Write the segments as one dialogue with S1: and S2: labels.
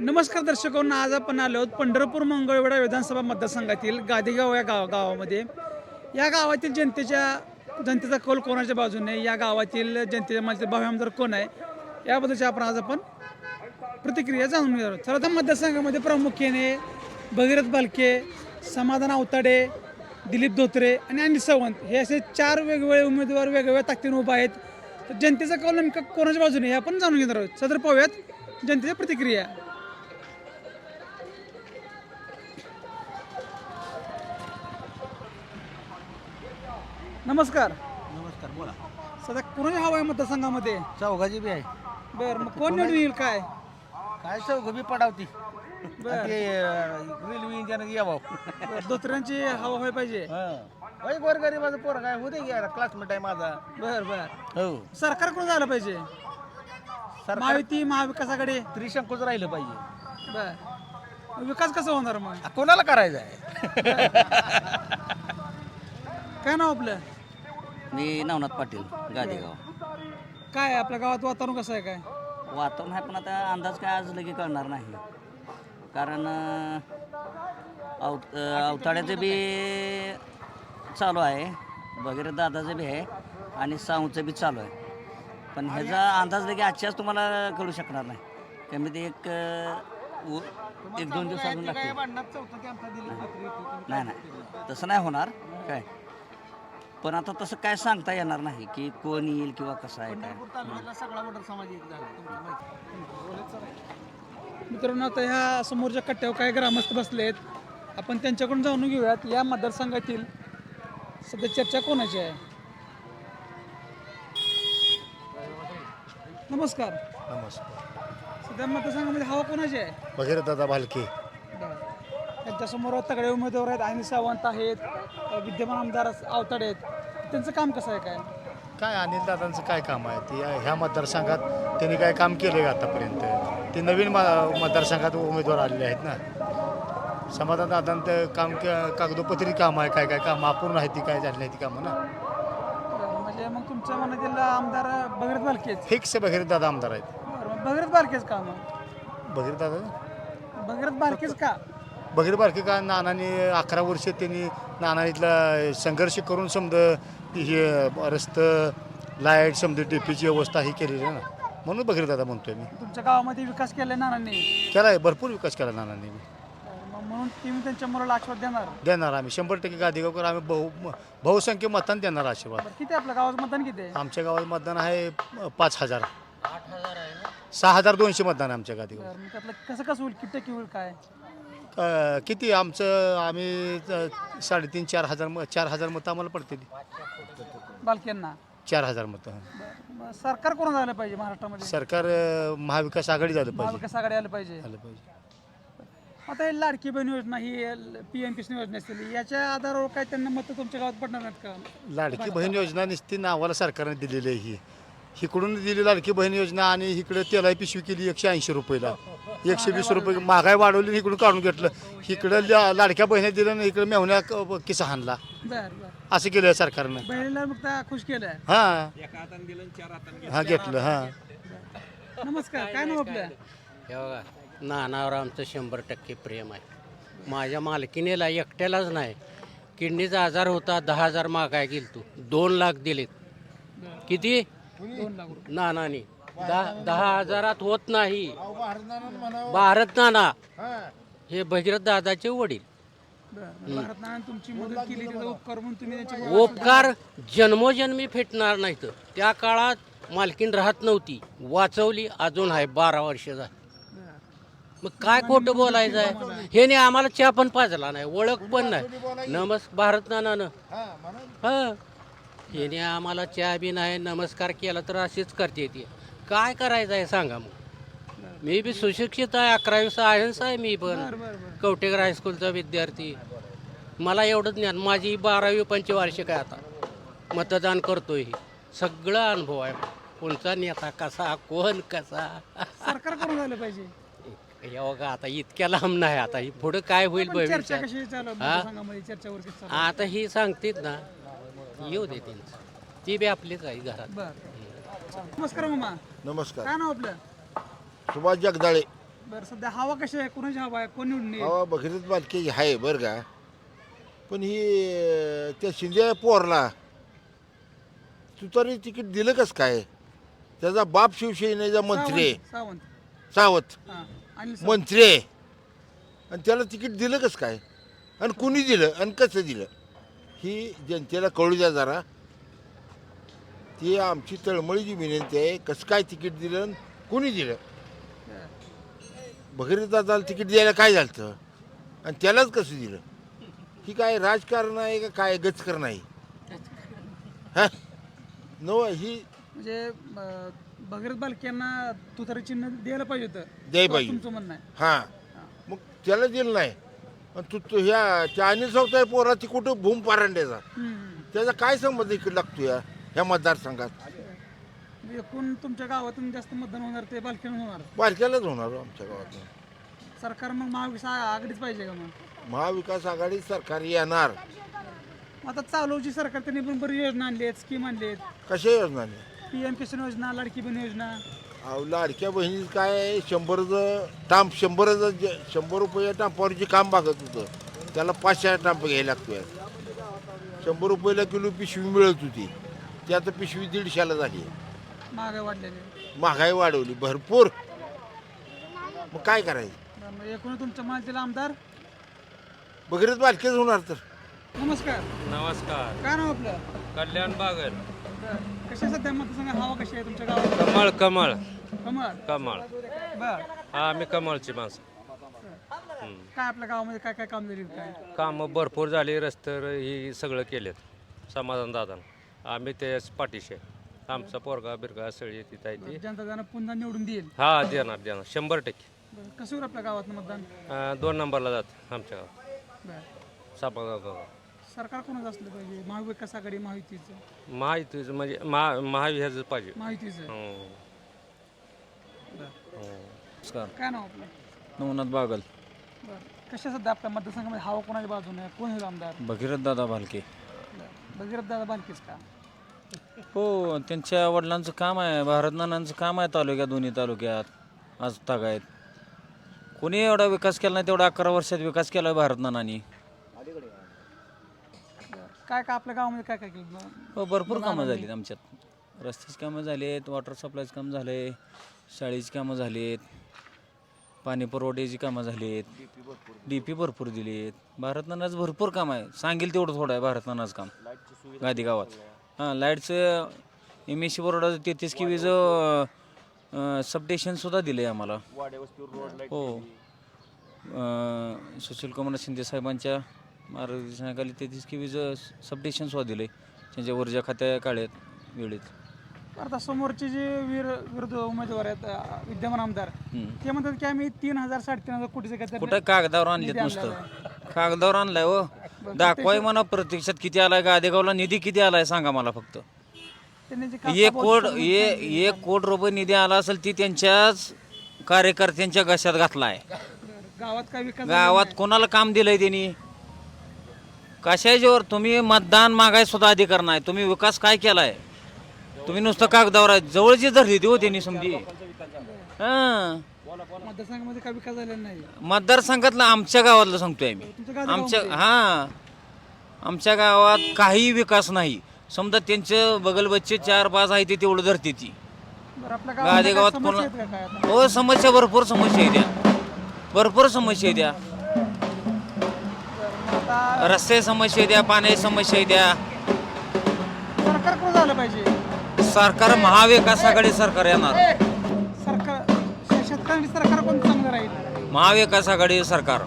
S1: नमस्कार दर्शकांना, आज आपण आलो आहोत पंढरपूर मंगळवेढा विधानसभा मतदारसंघातील गादेगाव या गावामध्ये. या गावातील जनतेचा कौल कोणाच्या बाजूने, या गावातील जनतेच्या मध्ये भावी आमदार कोण आहे याबद्दलची आपण प्रतिक्रिया जाणून घेणार आहोत. तर मतदारसंघामध्ये प्रामुख्याने भगीरथ बालके, समाधान आवताडे, दिलीप धोत्रे आणि अनिल सावंत हे असे 4 वेगवेगळे उमेदवार वेगवेगळ्या ताकदीने उभा आहेत. तर जनतेचा कौल नेमका कोणाच्या बाजूने हे आपण जाणून घेणार आहोत. सदर पाहूयात जनतेच्या प्रतिक्रिया. नमस्कार.
S2: नमस्कार, बोला.
S1: सध्या कोणाची हवा आहे मतदारसंघामध्ये?
S2: चौघाची बी आहे.
S1: बरं, मग कोण निवडून येईल काय?
S2: काय चौघ बी पडावती.
S1: बरं.
S2: ते रेल्वे इंजन यावं.
S1: धोत्र्यांची हवा व्हायला पाहिजे.
S2: होय, गोरगरीबाचं पोर काय होते की क्लासमेट आहे माझा.
S1: बरं बरं.
S2: हो.
S1: सरकार कोण झालं पाहिजे?
S2: सरकार
S1: महायुती, महाविकासाकडे?
S2: त्रिशंकूच राहिलं पाहिजे.
S1: बर, विकास कसा होणार मग?
S2: कोणाला करायचं आहे?
S1: काय नाव आपलं?
S3: मी नवनाथ पाटील, गादेगाव.
S1: काय आपल्या गावात वातावरण कसं आहे काय?
S3: वातावरण आहे, पण आता अंदाज काय आज लगे कळणार नाही. कारण अवताड्याचं बी चालू आहे, वगैरे दादाचं बी आहे आणि साऊचं बी चालू आहे. पण ह्याचा अंदाज लगे आजच्याच तुम्हाला कळू शकणार नाही. कमी ते एक दोन दिवस अजून लागतील. नाही नाही, तसं नाही होणार काय. पण आता तसं काय सांगता येणार नाही की कोण येईल किंवा कसं आहे काय.
S2: सगळा वडर समाज एक झाला.
S1: मित्रांनो, आता ह्या समोरच्या कट्ट्यावर काही ग्रामस्थ बसले आहेत. आपण त्यांच्याकडून जाणून घेऊयात या मतदारसंघातील सध्या चर्चा कोणाची आहे. नमस्कार.
S4: नमस्कार.
S1: सध्या मतदारसंघामध्ये हवा कोणाची आहे?
S4: भगीरथदादा भालके.
S1: त्यांच्यासमोर तगडे उमेदवार आहेत. अनिल सावंत आहेत, विद्यमान आमदार आवताडे आहेत. त्यांचं काम कसं आहे काय?
S4: काय अनिल दादांचं काय काम आहे ते ह्या मतदारसंघात त्यांनी काय काम केलं आहे आतापर्यंत? ते नवीन मतदारसंघात उमेदवार आलेले आहेत ना. समाधान दादांचं काम कागदोपत्री काम आहे, काय काय काम अपूर्ण आहे ती काय झाली नाही ती कामं ना.
S1: म्हणजे मग तुमच्या मनातील आमदार भगीरथ बालकेच?
S4: फिक्स भगीरथदादा आमदार आहेत.
S1: बरं, मग भगीरथ बालकेच का मग? भगीरथ बालकेच का?
S4: भगीरथ बालके का नानाने 11 वर्ष त्यांनी नाना इथला संघर्ष करून समजा हे रस्तं, लाईट, समजा डीपीची व्यवस्था ही केलेली आहे ना. म्हणून भगीरथदादा म्हणतोय मी.
S1: तुमच्या गावामध्ये विकास केलाय नानांनी?
S4: केला आहे, भरपूर विकास केला नानांनी.
S1: म्हणून तुम्ही त्यांच्या मुलाला आशीर्वाद
S4: देणार आम्ही 100% गादेगावकर आम्ही बहुसंख्य मतदान देणार आशीर्वाद.
S1: किती आपल्या गावाचं मतदान किती आहे?
S4: आमच्या गावात मतदान आहे 5,000. 6,200 मतदान आहे आमच्या गादेगाव.
S1: मग त्यातलं कसं होईल, किती टक्के होईल काय?
S4: किती आम्ही 3,500-4,000 4,000 मतं आम्हाला पडते.
S1: बालकेंना
S4: 4,000 मतं.
S1: मग सरकार कोण झालं पाहिजे महाराष्ट्रामध्ये?
S4: सरकार महाविकास आघाडी झालं पाहिजे.
S1: महाविकास आघाडी आलं पाहिजे. आता हे लाडकी बहीण योजना, ही PM किसान योजना असतील, याच्या आधारावर काय त्यांना मतं तुमच्या गावात पडणार नाहीत का?
S4: लाडकी बहीण योजना नुसती नावाला सरकारने दिलेली आहे. ही इकडून दिली लाडकी बहीण योजना आणि इकडे तेलाई पिशवी केली 180 रुपयाला. 120 रुपये महागाई वाढवली, इकडून काढून घेतलं. इकडं लाडक्या बहिणी दिलं ना, इकडे मेहुण्या किस्सा हाणला. असं केलं सरकारनं.
S1: बहिणीला मग खुश केलंय.
S4: हा घेतलं. हा,
S1: नमस्कार. काय नाव आपलं?
S5: हे बघा, नानावर आमचं 100% प्रेम आहे. माझ्या मालकीनेला एकट्यालाच नाही, किडनीचा आजार होता, 10,000 महागाई गेली. तू 2 लाख दिलेत. किती?
S1: 2 लाख रुपये.
S5: नानाने 10,000 होत नाही. भारत नाना हे भगीरथ दादाचे वडील.
S1: भारत नाना तुमची मदत केली, त्याचा उपकार म्हणून तुम्ही त्यांची
S5: उपकार जन्मोजन्मी फेटणार नाहीत. त्या काळात मालकीन राहत नव्हती, वाचवली, अजून आहे 12 वर्ष झाली. मग काय खोटं बोलायचं आहे? हे नाही, आम्हाला चहा पण पाजला नाही, ओळख पण नाही. भारत नानानं हा हे आम्हाला चहा बी नाही, नमस्कार केला तर अशीच करते ती. काय करायचं आहे सांगा मग? मी बी सुशिक्षित आहे, 11वी सायन्स आहे मी पण, कवटेकर हायस्कूलचा विद्यार्थी. मला एवढं ज्ञान, माझी 12वी पंचवार्षिक आहे. आता मतदान करतोय, सगळं अनुभव आहे. कोणचा नेता कसा, कोण कसा.
S1: सरकार कोण झालं पाहिजे?
S5: बघा, आता इतक्या लांब नाही. आता ही पुढं काय होईल
S1: चर्चा
S5: भविष्यात,
S1: कशी चालू आहे? चर्चावर कशी चालू आहे?
S5: आता ही सांगतेत ना, येऊ दे त्यांचं, ती बी आपलीच आहे घरात.
S1: बरं. नमस्कार मामा.
S6: नमस्कार.
S1: काय नाव आपलं?
S6: सुभाष जगदाळे.
S1: बरं सध्या हवा कशी आहे, कोणाची हवा आहे, कोण निवडून येईल?
S6: हवा भगीरथ बालके आहे बरं का, पण ही त्या शिंदे पोरला तुतारी तिकीट दिलं कस काय? त्याचा बाप शिवसेनेचा मंत्री आहे,
S1: सावंत
S6: सावत
S1: हां अनिल सावंत.
S6: मंत्री आहे, आणि त्याला तिकीट दिलं कसं काय, आणि कुणी दिलं आणि कसं दिलं, ही जनतेला कळू द्या जरा. ती आमची तळमळीची विनंती आहे, कसं काय तिकीट दिलं आणि कुणी दिलं. भगीरथ दादाला तिकीट द्यायला काय झालं आणि त्यालाच कसं दिलं? ही काय राजकारण आहे का काय गचकर नाही? हा नव ही
S1: म्हणजे भगीरथ बालक्यांना तुतारी चिन्ह द्यायला पाहिजे होतं,
S6: द्यायला पाहिजे.
S1: तुमचं म्हणणं आहे.
S6: हां मग त्याला दिलं नाही, आणि तू ह्या त्या अनिल सावताय पोराची कुठं भूम पारांड्याचा, त्याचा काय संबंध इकडे लागतो ह्या मतदारसंघात?
S1: म्हणजे एकूण तुमच्या गावातून जास्त मतदान होणार ते बालक्यांना होणार.
S6: बारक्यालाच होणार हो आमच्या गावात.
S1: सरकार मग महाविकास आघाडीच पाहिजे का मग?
S6: महाविकास आघाडी सरकार येणार.
S1: आता चालूची सरकार त्यांनी पण बरी योजना आणली आहेत, स्कीम आणली आहेत.
S6: कशा योजनाने?
S1: PM किसान योजना, लाडकी बहीण योजना.
S6: अहो लाडक्या बहिणीचं काय 100 रुपये टांपावरचे काम भागत होतं, त्याला 500 टांप घ्यायला लागतोय. 100 रुपयाला किलो पिशवी मिळत होती, ती आता पिशवी 150ला झाली.
S1: महागाई वाढलेली आहे.
S6: महागाई वाढवली भरपूर. मग काय करायचं?
S1: तर मग एकूण तुमच्या माहितीला आमदार.
S6: भगीरथ बालकेच होणार तर.
S1: नमस्कार,
S7: नमस्कार.
S1: काय नाव आपलं?
S7: कल्याण बागल.
S1: कशा सध्या मतदारसंघ हवा कशी आहे तुमच्या गावात?
S7: कमळ कमळ
S1: कमळ.
S7: कमळ.
S1: बर
S7: हा आम्ही कमळची माणसं.
S1: काय आपल्या गावामध्ये काय काय काम झाली काय?
S7: कामं भरपूर झाली, रस्ते ही सगळं केलेत समाधान दादा. आम्ही त्याच पाठीशी आहे. आमचा पोरगा बिरगा सगळी तिथं आहे ती.
S1: जनता त्यांना पुन्हा निवडून देईल.
S7: हा देणार 100%.
S1: बरं, कसं होईल आपल्या गावात मतदान?
S7: 2 नंबरला जात आमच्या गावात
S1: बरं,
S7: समाधान दादा.
S1: सरकार कोणाचं असलं पाहिजे? महाविकास आघाडी, महायुतीचं?
S7: महायुतीचं म्हणजे महाविहाचं पाहिजे.
S1: महायुतीचं.
S7: हं.
S8: नमस्कार.
S1: काय नाव आपलं?
S8: नवनाथ बागल.
S1: बरं, कशा सध्या आपल्या मतदारसंघामध्ये हवा कोणाच्या बाजूने आहे? कोण होईल आमदार?
S8: भगीरथ दादा भालके.
S1: भगीरथ दादा बालकीच का?
S8: हो, त्यांच्या वडिलांचं काम आहे, भारत नानांचं काम आहे तालुक्यात, दोन्ही तालुक्यात आज तागायत. कोणी एवढा विकास केला नाही तेवढा 11 वर्षात विकास केला आहे भारत नानांनी.
S1: काय काय आपल्या गावामध्ये काय काय केलं?
S8: हो, भरपूर कामं झालीत आमच्यात. रस्त्याची कामं झाली आहेत, वॉटर सप्लायचं काम झालं आहे, शाळेची कामं झाली आहेत, पाणी पुरवठ्याची कामं झाली आहेत, DP भरपूर दिली आहेत. भारत नानाचं भरपूर काम आहे, सांगेल तेवढं थोडं आहे भारत नानाचं काम गादी गावात. हां, लाईटचं MSC बोर्डाचं 33 KVचं सबस्टेशनसुद्धा दिलं आहे आम्हाला. हो, सुशील कुमार शिंदे साहेबांच्या मार्गदर्शनाखाली 33 KVचं सबस्टेशनसुद्धा दिलं आहे त्यांच्या ऊर्जा खात्या काळात वेळेत.
S1: आता समोरचे जे विरोध उमेदवार आहेत विद्यमान आमदार, ते म्हणतात की आम्ही 3,000 3,500 कोटीचं काहीतरी
S8: कुठं कागदावर आणलेत नुसतं? कागदावर आणलाय हो, दाखवाय म्हणा प्रत्यक्षात किती आलाय, गादेगावला निधी किती आलाय सांगा मला फक्त.
S1: त्यांनी जे
S8: 1 कोटी रुपये निधी आला असेल ती त्यांच्याच कार्यकर्त्यांच्या घशात घातलाय.
S1: गावात काय विकास
S8: गावात कोणाला काम दिलंय त्यांनी? कशाच्यावर? तुम्ही मतदान मागाय सुद्धा अधिकार नाही, तुम्ही विकास काय केलाय? तुम्ही नुसतं कागदावर आहे. जवळची धरली ती हो त्यांनी समजी. हां,
S1: मतदारसंघामध्ये काय विकास झालेला नाही.
S8: मतदारसंघातलं आमच्या गावातलं सांगतोय आम्ही. आमच्या गावात काही विकास नाही. समजा त्यांचं बगलबच्चे 4-5 आहे ते तेवढं धरते ती.
S1: बरं, आपल्या
S8: गादी गावात
S1: समस्या
S8: कोण?
S1: आहेत का काय आता?
S8: हो, समस्या भरपूर समस्या आहे त्या, भरपूर समस्या आहे त्या.
S1: आता
S8: रस्ते समस्या आहे त्या, पाण्याची समस्या आहे त्या.
S1: सरकार कोण झालं पाहिजे?
S8: सरकार महाविकास आघाडी सरकार येणार.
S1: सरकार शेतकऱ्यांची सरकार कोण चांगलं राहील?
S8: महाविकास आघाडी सरकार.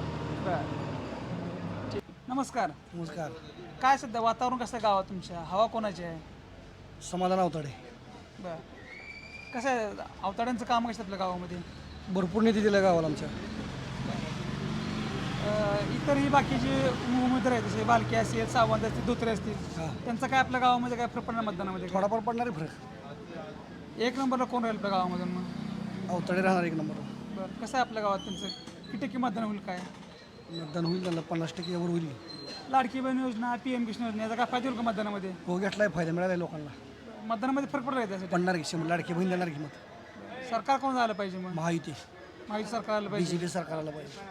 S1: नमस्कार.
S2: नमस्कार.
S1: काय सध्या वातावरण कसं आहे गावात तुमच्या? हवा कोणाची आहे?
S2: समाधान अवताडे.
S1: बरं, कसं आहे अवताड्यांचं काम कसं आपल्या गावामध्ये?
S2: भरपूर निधी दिला गावाला आमच्या.
S1: इतरही बाकीचे उमेदवार आहेत जसे बालके असतील, सावंत असतील, धोत्रे असतील, त्यांचं काय आपल्या गावामध्ये काय फरक पडणार मतदानामध्ये?
S2: थोडाफार पडणार आहे फरक.
S1: 1 नंबरला कोण राहील आपल्या गावामधून मग?
S2: अवताडे राहणार 1 नंबर.
S1: बरं, कसं आहे आपल्या गावात त्यांचं किती टक्के मतदान होईल काय?
S2: मतदान होईल त्यांना 50% वर होईल.
S1: लाडकी बहीण योजना, PM किसान योजना याचा काय फायदा होईल का मतदानामध्ये?
S2: हो, घेतलाय फायदा मिळाला लोकांना.
S1: मतदानामध्ये फरक पडला आहे त्यासाठी?
S2: पडणार की 100 लाडके बहीण देणार की मत.
S1: सरकार कोण झालं पाहिजे मग?
S2: महायुती.
S1: महायुती सरकार आलं पाहिजे.
S2: बीजेपी सरकारला पाहिजे.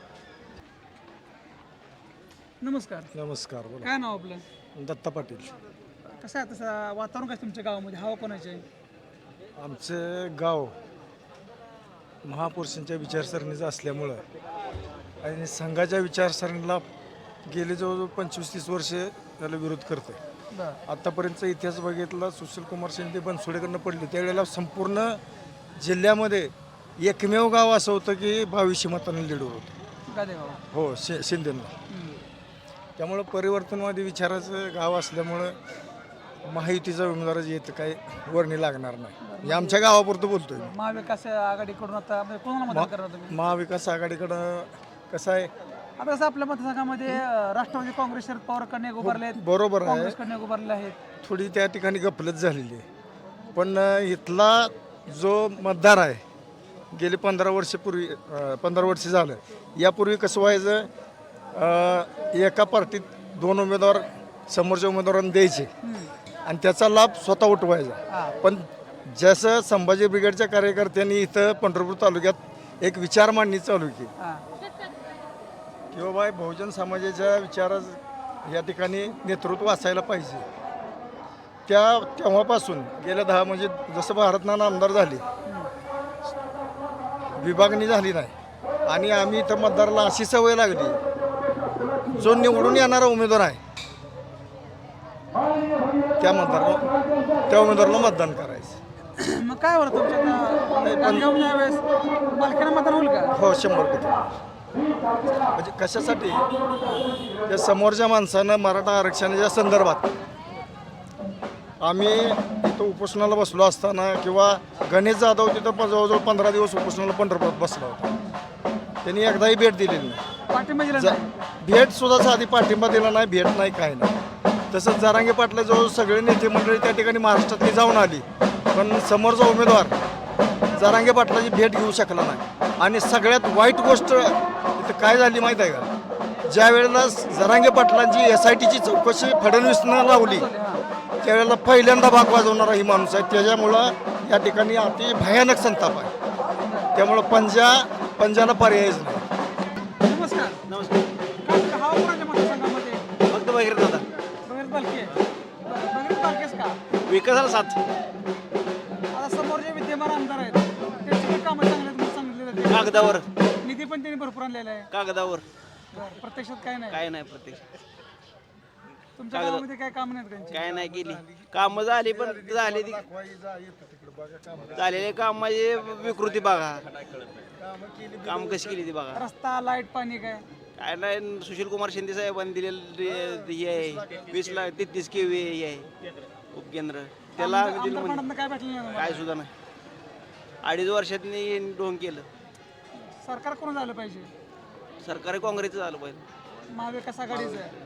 S1: नमस्कार.
S9: नमस्कार बोला.
S1: काय नाव आपलं?
S9: दत्ता पाटील.
S1: कसं आहे तसं वातावरण काय तुमच्या गावामध्ये, हवा कोणाची आहे?
S9: आमचं गाव महापुरुषांच्या विचारसरणीचं असल्यामुळं आणि संघाच्या विचारसरणीला गेले जवळजवळ 25-30 वर्ष त्याला विरोध करतो. आत्तापर्यंतचा इतिहास बघितला, सुशीलकुमार शिंदे बनसोडेकडनं पडले त्यावेळेला संपूर्ण जिल्ह्यामध्ये एकमेव गाव असं होतं की 2200 मतांनी लीड होतं.
S1: गादेगाव.
S9: हो, शिंदेंना. त्यामुळं परिवर्तनवादी विचाराचं गाव असल्यामुळं महायुतीचा उमेदवार येतं काही वर्णी लागणार नाही. हे आमच्या गावापुरतं बोलतोय.
S1: महाविकास आघाडीकडून आता म्हणजे कोणाला मतदान करणार तुम्ही?
S9: महाविकास आघाडीकडं कसं आहे,
S1: आता कसं आपल्या मतदारसंघामध्ये राष्ट्रवादी काँग्रेस शरद पवारकडे उभारले आहेत,
S9: बरोबर आहे,
S1: काँग्रेसकडे उभारले आहेत.
S9: थोडी त्या ठिकाणी गफलत झालेली आहे. पण इथला जो मतदार आहे गेली 15 वर्ष झालं. यापूर्वी कसं व्हायचं, एका पार्टीत 2 उमेदवार समोरच्या उमेदवारांना द्यायचे आणि त्याचा लाभ स्वतः उठवायचा. पण जसं संभाजी ब्रिगेडच्या कार्यकर्त्यांनी इथं पंढरपूर तालुक्यात एक विचार मांडणी चालू केली की बाबा बहुजन समाजाच्या विचारात या ठिकाणी नेतृत्व असायला पाहिजे. तेव्हापासून गेल्या 10 म्हणजे जसं भारतनाना आमदार झाले, विभागणी झाली नाही आणि आम्ही इथं मतदाराला अशी सवय लागली, जो निवडून येणारा उमेदवार आहे त्या उमेदवाराला मतदान करायचं.
S1: मग काय होतं तुमच्या यावेळेस बालकांना मतदान होईल का?
S9: हो, 100%. म्हणजे कशासाठी, त्या समोरच्या माणसानं मराठा आरक्षणाच्या संदर्भात आम्ही इथं उपोषणाला बसलो असताना किंवा गणेश जाधव तिथं जवळजवळ 15 दिवस उपोषणाला पंढरपुरात बसला होता. त्यांनी एकदाही भेट दिलेली नाही.
S1: पाठिंबा दिला नाही.
S9: भेट सुद्धा साधी पाठिंबा दिला नाही, भेट नाही, काय नाही. तसंच जरांगे पाटला जवळ सगळे नेते मंडळी त्या ठिकाणी महाराष्ट्रातली जाऊन आली, पण समोरचा उमेदवार जरांगे पाटलाची भेट घेऊ शकला नाही. आणि सगळ्यात वाईट गोष्ट इथं काय झाली माहीत आहे का, ज्या वेळेला जरांगे पाटलांची SITची चौकशी फडणवीसनं लावली त्यावेळेला पहिल्यांदा भाग वाजवणारा ही माणूस आहे. त्याच्यामुळं या ठिकाणी अति भयानक संताप आहे. त्यामुळं पंजाला पर्यायच नाही.
S1: नमस्कार. काय हवा कोणाच्या मतदारसंघामध्ये?
S2: फक्त वगैरे दादा
S1: बघेल बालके. बघेल बालकेच का?
S2: विकासाला साथ.
S1: आता समोर जे विद्यमान आमदार आहेत त्यांची पण कामं चांगली आहेत म्हणून सांगितले जाते.
S2: कागदावर
S1: निधी पण त्यांनी भरपूर आणलेला आहे.
S2: कागदावर
S1: प्रत्यक्षात काय नाही.
S2: काय नाही, प्रत्यक्ष
S1: तुमच्या गावामध्ये काय काम नाहीत त्यांची?
S2: काय नाही केली. कामं झाली पण झाली ती झालेले काम म्हणजे विकृती बघा, काम कशी केली ती बघा.
S1: रस्ता, लाईट, पाणी काय?
S2: काय नाही, सुशीलकुमार शिंदे साहेबांनी दिलेलं हे आहे 20 लाख 33 KV हे आहे उपकेंद्र, त्याला आम्ही दिलं
S1: आमदार
S2: म्हणजे
S1: फंडातनं काय भेटलं नाही तुम्हाला?
S2: काय सुद्धा नाही. 2.5 वर्षातनी ढोंग केलं.
S1: सरकार कोण झालं पाहिजे?
S2: सरकारी काँग्रेसचं झालं पाहिजे.
S1: महाविकास आघाडीचं आहे.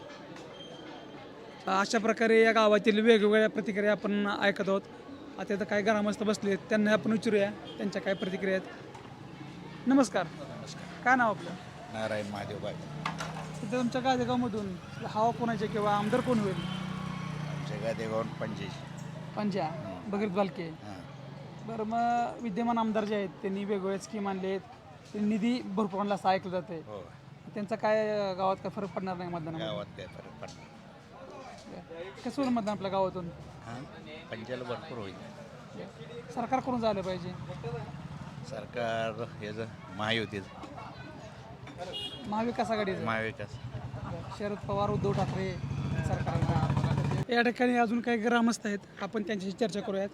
S1: अशा प्रकारे या गावातील वेगवेगळ्या प्रतिक्रिया आपण ऐकत आहोत. आता इथं काय ग्रामस्थ बसले आहेत त्यांना आपण विचारूया त्यांच्या काय प्रतिक्रिया आहेत. नमस्कार. काय नाव आपलं?
S6: नारायण महादेव बाई.
S1: सध्या तुमच्या गादेगावमधून हवा कोणाचे किंवा आमदार कोण होईल?
S6: आमच्या गादेगावून 85.
S1: पंजा भगीरथ बालके. बरं, मग विद्यमान आमदार जे आहेत त्यांनी वेगवेगळे स्कीम आणले आहेत, त्यांनी निधी भरपूर आणला असं ऐकलं जाते. त्यांचा काय गावात काय फरक पडणार नाही मतदानामध्ये?
S6: गावात काय फरक पडणार,
S1: कसं होईल मतदान आपल्या गावातून?
S6: पंचाला भरपूर होईल.
S1: सरकार कोण झालं पाहिजे?
S6: सरकार ह्याचं महायुतीचं,
S1: महाविकास आघाडीचं.
S6: महाविकास.
S1: शरद पवार, उद्धव ठाकरे सरकार. या ठिकाणी अजून काही ग्रामस्थ आहेत, आपण त्यांच्याशी चर्चा करूयात.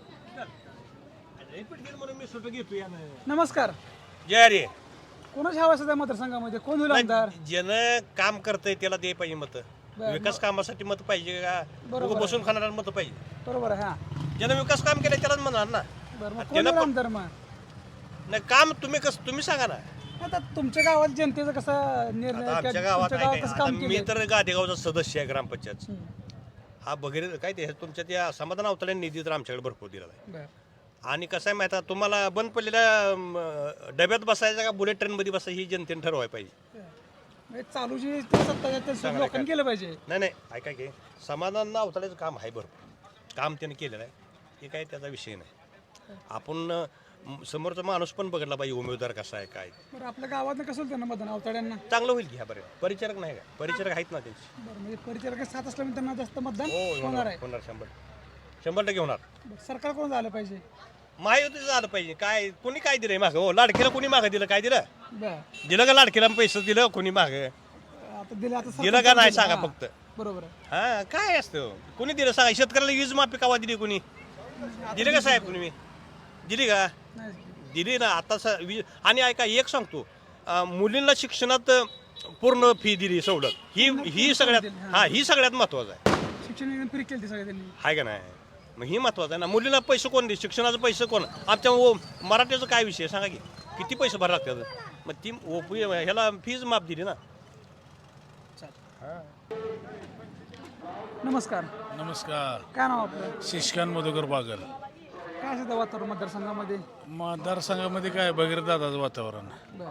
S1: नमस्कार.
S10: जय रे.
S1: कोणाची हवा सध्या मतदारसंघामध्ये, कोण होईल आमदार?
S10: ज्यानं काम करतंय त्याला दे पाहिजे मत. विकास कामासाठी मत पाहिजे का,
S1: बरोबर.
S10: बसून खाणाऱ्याला मत पाहिजे.
S1: बरोबर आहे. हा,
S10: ज्यानं विकास काम केलं त्यालाच म्हणणार ना.
S1: बरं, मग कोण होईल आमदार? मग
S10: नाही काम तुम्ही सांगा ना.
S1: आता तुमच्या गावात जनतेचं कसं निर्णय,
S10: आता आमच्या
S1: तुमच्या
S10: गावात
S1: गावात कसं
S10: आता
S1: काम
S10: मी
S1: केलं?
S10: तर गादेगावचा सदस्य आहे ग्रामपंचायत. हा वगैरे काय ते तुमच्या त्या समाधान अवतड्या निधी तर आमच्याकडे भरपूर दिला आहे.
S1: बरं.
S10: आणि कसं आहे माहिती आहे, तुम्हाला बंद पडलेल्या डब्यात बसायचं का बुलेट ट्रेनमध्ये बसायचं ही जनतेने ठरवायला पाहिजे.
S1: म्हणजे चालू जी सत्ता आहे ते लोकांनी केलं पाहिजे.
S10: नाही ऐका की समाधान अवतड्याचं काम आहे भरपूर, काम त्याने केलेलं आहे, हे काय त्याचा विषय नाही. आपण समोरचा माणूस पण बघितला पाहिजे उमेदवार कसा आहे काय.
S1: बरं आपल्या गावात कसं होतं ना मतदान अवताड्यांना?
S10: चांगलं होईल की ह्या बरं. परिचारक नाही का, परिचारक आहेत ना त्यांची.
S1: बरं म्हणजे परिचारक साथ असल्यामुळे त्यांना जास्त मतदान
S10: हो
S1: होणार आहे.
S10: होणार 100% होणार.
S1: बरं, सरकार कोण झालं पाहिजे?
S10: महायुतीचं झालं पाहिजे. काय कोणी काय दिलंय मागं? हो लाडकीला कोणी मागं दिलं, काय दिलं?
S1: बरं
S10: दिलं का लाडकीला पैसे दिलं कोणी मागं?
S1: आता दिलं, आता
S10: दिलं का
S1: सरकार
S10: नाही
S1: दिलं.
S10: सांगा
S1: हां,
S10: फक्त.
S1: बरोबर आहे.
S10: हा काय असतं कोणी दिलं सांगा. शेतकऱ्याला वीज माफी कावा दिली कोणी? दिली का साहेब तुम्ही? दिली का?
S1: नाही.
S10: दिली ना. आता आणि ऐका एक सांगतो, मुलींना शिक्षणात पूर्ण फी दिली सवलत. ही सगळ्यात ही सगळ्यात महत्वाचं आहे.
S1: शिक्षण एकदम फ्री केली सगळे त्यांनी.
S10: आहे का नाही? मग ही महत्वाचं आहे ना. मुलींना पैसे कोण दे? शिक्षणाचं पैसे कोण? आमच्या मराठीचं काय विषय सांगा की किती पैसे भरावे लागतात? मग ती ह्याला फीज माफ दिली ना.
S1: नमस्कार.
S11: नमस्कार.
S1: काय नाव आपलं?
S11: शिष्कान मधुकर बागल.
S1: काय असतं वातावरण मतदारसंघामध्ये?
S11: मतदारसंघामध्ये काय भगीरथ दादाचं वातावरण.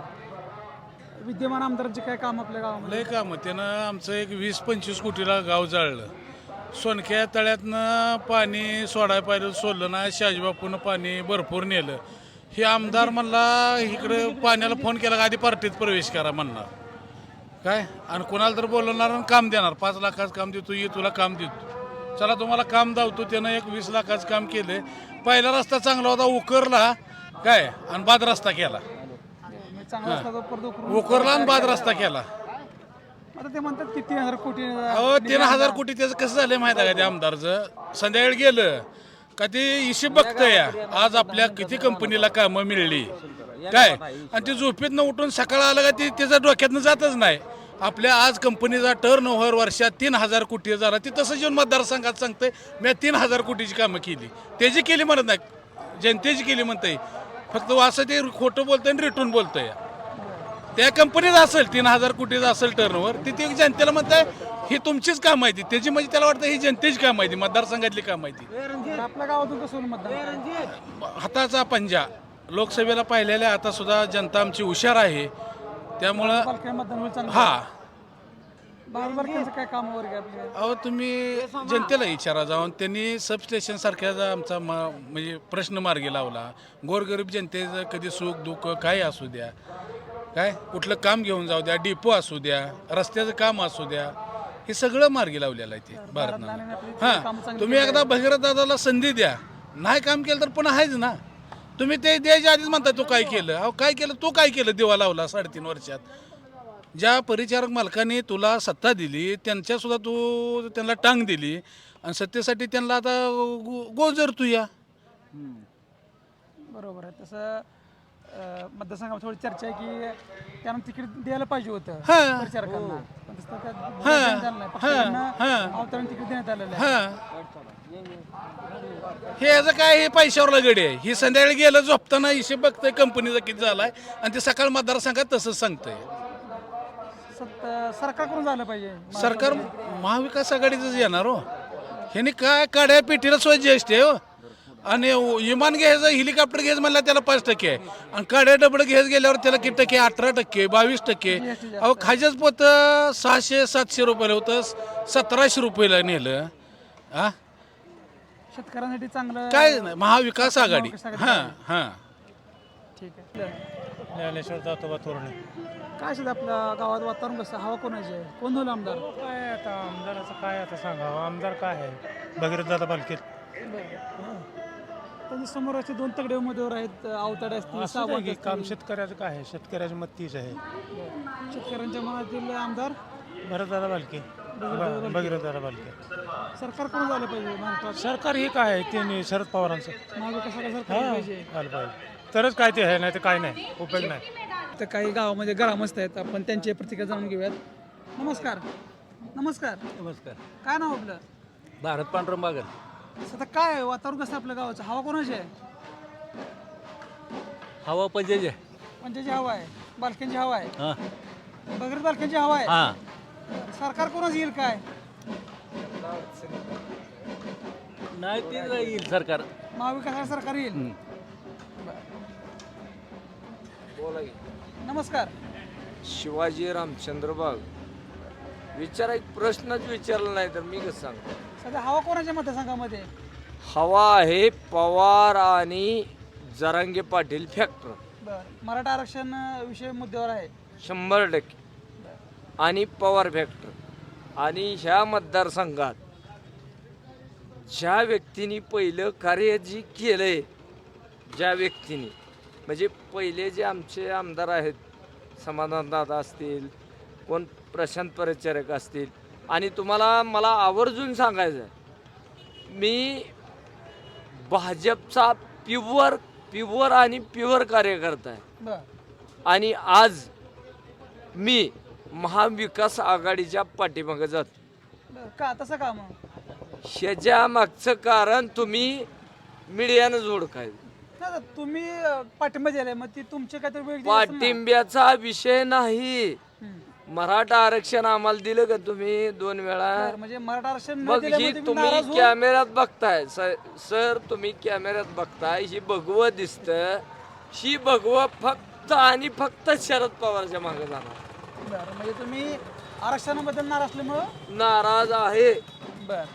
S1: बरं. विद्यमान आमदारांचे काय काम आपल्या गावामध्ये?
S11: लय काम त्यानं आमचं एक 20-25 कोटीला गाव जाळलं. सोनक्या तळ्यातनं पाणी सोडायला पाहिजे, सोडलं ना. शाजीबापूनं पाणी भरपूर नेलं. हे आमदार म्हणला इकडे पाण्याला फोन केला का आधी पार्टीत प्रवेश करा म्हणणार काय, आणि कोणाला तर बोलवणार आणि काम देणार. 5 लाखाचं काम देतो, ये तुला काम देतो, चला तुम्हाला काम दावतो. त्यानं एक 20 लाखाचं काम केलं. पहिला रस्ता चांगला होता, उकरला काय आणि बाद रस्ता केला.
S1: चांगला असला तर परत
S11: उकरला आणि बाद रस्ता केला.
S1: आता ते म्हणतात की 3,000 कोटी.
S11: अहो 3,000 कोटी त्याचं कसं झालं माहिती आहे का? त्या आमदारचं संध्याकाळी गेलं का ते हिशेब बघतंय आज आपल्या किती कंपनीला कामं मिळली काय, आणि ते झोपेतनं उठून सकाळ आलं का ते त्याच्या डोक्यातनं जातच नाही. आपल्या आज कंपनीचा टर्न ओव्हर वर्षात 3,000 कोटी झाला. ते तसं जेवण मतदारसंघात सांगतंय मी 3,000 कोटीची कामं केली. त्याची केली म्हणत नाही, जनतेची केली म्हणतंय. फक्त असं ते खोटं बोलतंय आणि रिटून बोलतंय. त्या कंपनीत असेल 3,000 कोटीचं असेल टर्नओव्हर, ते जनतेला म्हणताय ही तुमचीच काम माहिती. त्याची म्हणजे त्याला वाटतं ही जनतेची काम माहिती, मतदारसंघातली काम माहिती.
S1: आपल्या गावातून कसं होईल मतदान?
S11: हाताचा पंजा लोकसभेला पाहिलेल्या. आता सुद्धा जनता आमची हुशार आहे, त्यामुळं
S1: मतदान होईल चांगलं.
S11: हा.
S1: बालबालकांचं काय काम वगैरे आपले?
S11: अहो तुम्ही जनतेला विचारा जाऊन. त्यांनी सबस्टेशन सारख्याचा आमचा म्हणजे प्रश्न मार्गी लावला. गोरगरीब जनतेचं कधी सुख दुःख काय असू द्या, काय कुठलं काम घेऊन जाऊ द्या, डिपो असू द्या, रस्त्याचं काम असू द्या, हे सगळं मार्गी लावलेलं आहे ते भारतनं. हां तुम्ही एकदा भगीरथ दादाला संधी द्या. नाही काम केलं तर पुन्हा आहेच ना. तुम्ही ते द्यायच्या आधीच म्हणता तू काय केलं. अहो काय केलं, तू काय केलं? दिवा लावला 3.5 वर्षात. ज्या परिचारक मालकाने तुला सत्ता दिली त्यांच्यासुद्धा तू त्यांना टांग दिली, आणि सत्तेसाठी त्यांना आता गोजर तू या.
S1: बरोबर आहे. तसं मतदारसंघात थोडी चर्चा आहे की त्यांना तिकीट द्यायला पाहिजे होतं
S11: हां.
S1: परिचारकांना, पण तसं काय
S11: हां.
S1: द्यायला नाही. फक्त
S11: हां.
S1: त्यांना
S11: हां.
S1: अवतरण तिकीट देण्यात आलेलं आहे.
S11: हे याचं काय, हे पैशावरला गडी आहे. ही संध्याकाळी गेलं झोपताना हिशेब बघतंय कंपनीचा किती झालाय, आणि ते सकाळ मतदारसंघात तसंच सांगतंय.
S1: सरकार करून झालं पाहिजे.
S11: सरकार महाविकास आघाडीचंच येणार हो. ह्याने काय काड्या पेटीला सोय जीएसटी आहे हो. आणि विमान घ्यायचं, हेलिकॉप्टर घ्यायचं म्हणलं त्याला 5% आहे, आणि काड्या डबडं घ्यायचं गेल्यावर त्याला किती टक्के? 18%, 22%. अहो खायचंच पोत 600-700 रुपयाला होतं, 1700 रुपयाला नेलं. हा
S1: शेतकऱ्यांसाठी चांगलं
S11: काय नाही, महाविकास आघाडी. हां हां.
S1: ठीक आहे.
S12: ज्ञानेश्वर दातोबा तोरणे.
S1: काय असेल आपल्या गावात वातावरण कसं? हवा कोणाची आहे? कोण होईल आमदार?
S12: काय आता आमदाराचं काय आता सांगावं. आमदार काय आहे? भगीरथ दादा बालके.
S1: त्यांच्या समोर असे 2 तगडे उमेदवार आहेत, अवताडे असतील, सावंत असतील.
S12: काम शेतकऱ्याचं काय आहे? शेतकऱ्याची मत तीच आहे.
S1: शेतकऱ्यांच्या मनातील आमदार
S12: भरतदादा बालके, भगीरथ दादा बालके.
S1: सरकार कोण झालं पाहिजे महाराष्ट्रात?
S12: सरकार हे काय आहे? त्यांनी शरद पवारांचं
S1: महाविकास आघाडी सरकार पाहिजे.
S12: झालं पाहिजे तरच काय ते आहे, नाही तर काय नाही, उपयोग नाही.
S1: तर काही गावामध्ये ग्रामस्थ आहेत, आपण त्यांची प्रतिक्रिया जाणून घेऊयात. नमस्कार. नमस्कार.
S5: नमस्कार.
S1: काय नाव आपलं?
S5: भारत पांडुरंग बागल.
S1: आता काय आहे? वातावरण कसं आहे आपल्या गावाचं? हवा कोणाची आहे?
S5: हवा पंजाची
S1: पंचायची हवा आहे, बालक्यांची हवा आहे,
S5: हां
S1: भगीरथ बालक्यांची हवा आहे.
S5: हां.
S1: सरकार कोणाच येईल काय?
S5: नाही ते येईल सरकार.
S1: महाविकास आघाडी सरकार येईल. नमस्कार.
S13: शिवाजी रामचंद्र बाग. विचारा, एक प्रश्नच विचारला नाही तर मी कसं सांगतो.
S1: सध्या हवा कोणाच्या मतदारसंघामध्ये?
S13: हवा आहे पवार आणि जरांगे पाटील फॅक्टर
S1: बरं मराठा आरक्षण विषय मुद्द्यावर आहे
S13: 100%. आणि पवार फॅक्टर. आणि ह्या मतदारसंघात ज्या व्यक्तीने पहिलं कार्य जी केलंय, ज्या व्यक्तीने म्हणजे पहिले जे आमचे आमदार आहेत, समाधानदादा असतील, कोण प्रशांत परिचारक असतील, आणि तुम्हाला मला आवर्जून सांगायचं आहे, मी भाजपचा प्युअर आणि प्युअर कार्यकर्ता आहे.
S1: बरं
S13: आणि आज मी महाविकास आघाडीच्या पाठीमागे जातो.
S1: बरं का तसं का मग
S13: ह्याच्या मागचं कारण तुम्ही मीडियानं जोडकाय.
S1: नाही तर तुम्ही पाठिंबा दिलाय मग ती तुमचे काहीतरी वेगळी
S13: पाठिंब्याचा विषय नाही. मराठा आरक्षण आम्हाला दिलं का तुम्ही 2 वेळा?
S1: म्हणजे मराठा आरक्षण न
S13: मग
S1: दिल्यामुळे
S13: ही
S1: तुम्ही नाराज
S13: तुम्ही
S1: होऊन-
S13: कॅमेऱ्यात बघताय सर, तुम्ही कॅमेऱ्यात बघताय, ही भगवं दिसतं. ही भगवं फक्त आणि फक्त शरद पवारच्या मागे जाणार.
S1: बरं म्हणजे तुम्ही आरक्षणाबद्दल नाराज असल्यामुळं
S13: नाराज आहे.
S1: बर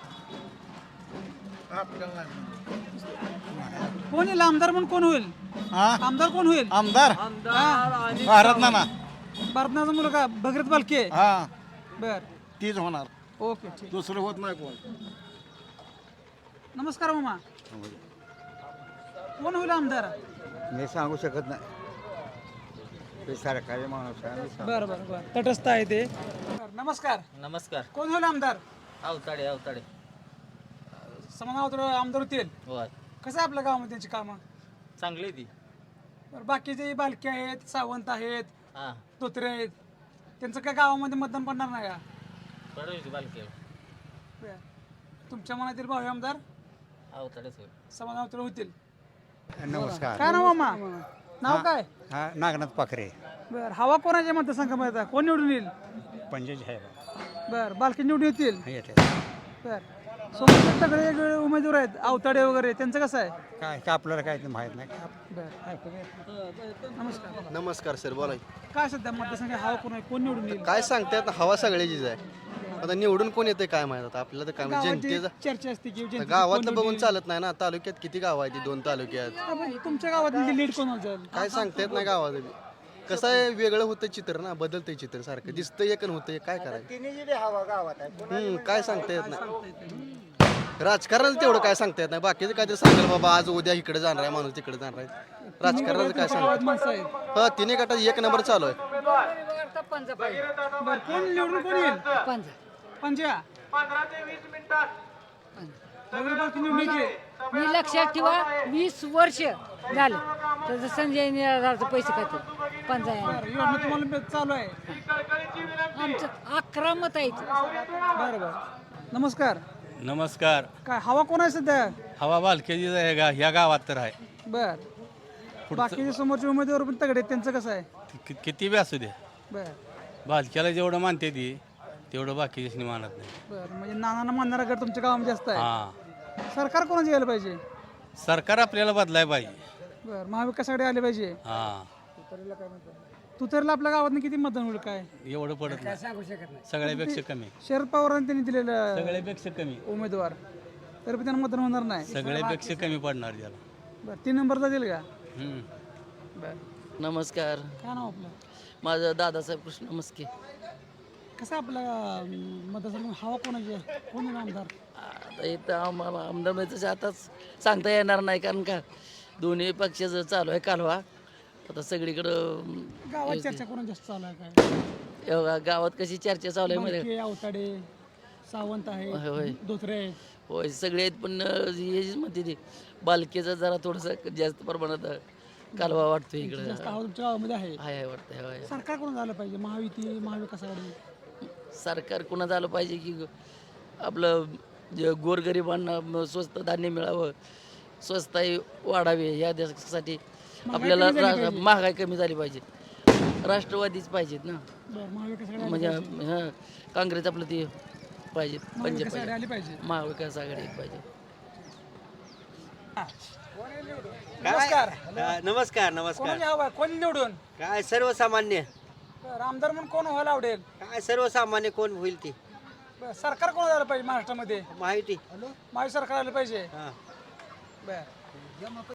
S1: कोण येईल आमदार म्हणून कोण होईल? आमदार कोण होईल?
S9: आमदार
S13: आणि
S9: भारत नाना
S1: भारतनाचा मुलगा भगीरथ बालके.
S9: हा
S1: बर
S9: तीच होणार,
S1: ओके ठीक.
S9: दुसरं होत नाही कोण.
S1: नमस्कार मामा. कोण होईल आमदार?
S9: मी सांगू शकत नाही, ते सरकारी माणूस आहे.
S1: बरं बरं बरं तटस्थ आहे ते. बरं, नमस्कार.
S3: नमस्कार.
S1: कोण होईल आमदार?
S3: अवताडे
S1: समाधान आमदार होतील.
S3: होय
S1: कसं आहे आपल्या गावामध्ये त्यांची कामं?
S3: चांगली ती.
S1: बरं बाकीचे बालके आहेत, सावंत आहेत,
S3: हां
S1: धोत्रे आहेत, त्यांचं काय गावामध्ये मतदान पडणार नाही का?
S3: बरोबर बालके
S1: बरं. तुमच्या मनातील भावी आमदार
S3: अवताडेच होय.
S1: समाधान होतील.
S9: नमस्कार.
S1: काय नाव मामा? नाव काय?
S9: हा नागनाथ पाखरे,
S1: बर हवा कोणाच्या मतदारसंघामध्ये आता? कोण निवडून येईल?
S9: पंजाब आहे
S1: बर बालकी निवडून येतील.
S9: येते.
S1: बर सोबत सगळे वेगवेगळे उमेदवार आहेत, अवताडे वगैरे, त्यांचं कसं आहे?
S9: काय का आपल्याला काय ते माहित नाही.
S1: बर नमस्कार.
S2: नमस्कार सर, बोला.
S1: काय सध्या मतदारसंघ हवा कोण आहे, कोण निवडून येईल?
S2: काय सांगतायत, हवा सगळ्याचीच आहे. आता निवडून कोण येते काय माहित, आता आपल्याला तर काय माहित.
S1: गावाची
S2: जनतेचा
S1: चर्चा असते की जनतेचं
S2: गावातलं
S1: कोण
S2: बघून
S1: निवडून
S2: चालत नाही ना. तालुक्यात किती गाव आहे, ती 2 तालुक्यात
S1: येईल? तुमच्या गावात लीड कोण जाईल?
S2: काय सांगता येत नाही गावात. कसं आहे, वेगळं होतं चित्र ना, बदलतंय चित्र सारखं. दिसतं एक आणि होतं एक, काय करायचं? काय सांगता येत नाही. राजकारणाचं तेवढं काय सांगता येत नाही. बाकीचं काय ते सांगाल बाबा आज उद्या इकडे जाणार आहे माणूस, तिकडे जाणार आहे. राजकारणाचं काय सांगता
S1: माणसं आहेत.
S2: हा, 3 गटात 1 नंबर चालू आहे.
S1: बर कोण निवडून कोण येईल? पंजा. वगैरे बाकी निवडून येईल.
S14: मी लक्षात ठेवा 20 वर्ष झालं तर संजय निराधारचे पैसे खाते पंचायत.
S1: बरं, योजना तुम्हाला चालू आहे.
S14: आमचं 11 मत आहेत.
S1: बरं बरं नमस्कार.
S12: नमस्कार.
S1: काय हवा कोण आहे सध्या?
S12: हवा बालकेजीच आहे का ह्या गावात तर आहे.
S1: बर बाकीचे समोरचे उमेदवार पण तगडे आहेत, त्यांचं कसं आहे?
S12: किती बी असू दे,
S1: बर
S12: बालक्याला जेवढं मानते ती तेवढं बाकीच्यानी मानत नाही.
S1: बर म्हणजे नानांना मानणारा गट तुमच्या गावामध्ये जास्त आहे.
S12: हां
S1: सरकार कोणाचं यायला पाहिजे?
S12: सरकार आपल्याला बदलाय पाहिजे.
S1: बर महाविकास आघाडी आले पाहिजे.
S12: हां
S1: तुतारीला आपल्या गावात किती मतदान होईल काय?
S12: एवढं पडत नाही,
S14: सांगू शकत नाही.
S12: सगळ्यापेक्षा कमी.
S1: शरद पवारांनी त्यांनी दिलेलं
S12: सगळ्यापेक्षा कमी,
S1: उमेदवार तर पण त्यांना मतदान होणार नाही.
S12: सगळ्यापेक्षा कमी पडणार त्याला.
S1: बर 3 नंबरला देईल का? बर
S3: नमस्कार.
S1: काय नाव आपलं?
S3: माझं दादासाहेब कृष्ण मस्के.
S1: कसं आपला मतदारसंघ हवा कोणाची आहे? कोण आहे आमदार?
S3: आता इथं आमदारचं आताच सांगता येणार नाही, कारण का दोन्ही पक्षाचं चालू आहे कालवा. आता सगळीकडं
S1: गावात चर्चा कोणा जास्त चालू आहे काय?
S3: एवढा गावात कशी चर्चा चालू आहे मध्ये.
S1: बालके, अवताडे, सावंत
S3: होय,
S1: आहे,
S3: होय.
S1: धोत्रे आहेत.
S3: होय सगळे आहेत, पण हेच म्हणते ती बालकेचा जरा थोडंसं जास्त प्रमाणात कालवा वाटतो इकडं.
S1: जास्त हवा तुमच्या गावामध्ये आहे.
S3: हाय वाटतं. होय
S1: सरकार कोण झालं पाहिजे? महायुती, महाविकास आघाडी?
S3: सरकार कुणा झालं पाहिजे की आपलं जे गोरगरिबांना स्वस्त धान्य मिळावं, स्वस्ताई वाढावी, या देशासाठी आपल्याला महागाई कमी झाली पाहिजे. राष्ट्रवादीच पाहिजेत ना,
S1: बरं महाविकास आघाडी
S3: म्हणजे हां काँग्रेस आपलं ते पाहिजे,
S1: महाविकास आघाडी आली पाहिजे.
S3: महाविकास आघाडी पाहिजे.
S1: नमस्कार.
S2: नमस्कार.
S1: कोणाची हवा आहे? कोणी निवडून?
S2: काय सर्वसामान्य,
S1: बरं, आमदार म्हणून कोण व्हायला आवडेल?
S2: काय सर्वसामान्य कोण होईल ती
S1: बरं, सरकार कोण झालं पाहिजे महाराष्ट्रामध्ये?
S2: माहिती.
S1: महायुती सरकार आलं पाहिजे. बरं